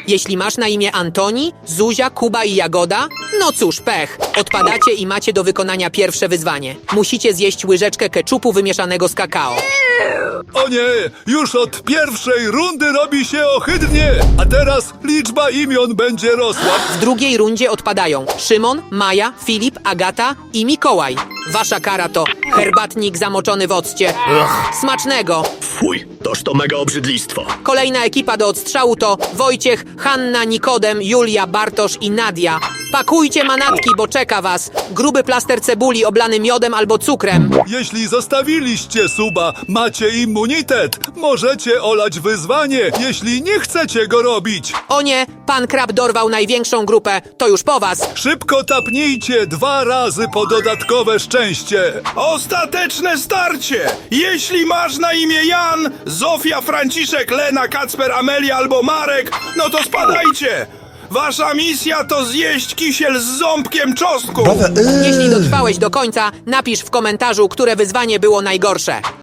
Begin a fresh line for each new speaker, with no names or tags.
Jeśli masz na imię Antoni, Zuzia, Kuba i Jagoda, no cóż, pech. Odpadacie i macie do wykonania pierwsze wyzwanie. Musicie zjeść łyżeczkę keczupu wymieszanego z kakao.
O nie, już od pierwszej rundy robi się ohydnie, a teraz liczba imion będzie rosła.
W drugiej rundzie odpadają Szymon, Maja, Filip, Agata i Mikołaj. Wasza kara to herbatnik zamoczony w occie. Smacznego!
Fuj, toż to mega obrzydlistwo.
Kolejna ekipa do odstrzału to Wojciech, Hanna, Nikodem, Julia, Bartosz i Nadia. Pakujcie manatki, bo czeka was gruby plaster cebuli oblany miodem albo cukrem.
Jeśli zostawiliście suba, macie immunitet. Możecie olać wyzwanie, jeśli nie chcecie go robić.
O nie, pan Krab dorwał największą grupę, to już po was.
Szybko tapnijcie 2 razy po dodatkowe szczęście.
Ostateczne starcie! Jeśli masz na imię Jan, Zofia, Franciszek, Lena, Kacper, Amelia albo Marek, no to spadajcie! Wasza misja to zjeść kisiel z ząbkiem czosnku!
Jeśli dotrwałeś do końca, napisz w komentarzu, które wyzwanie było najgorsze.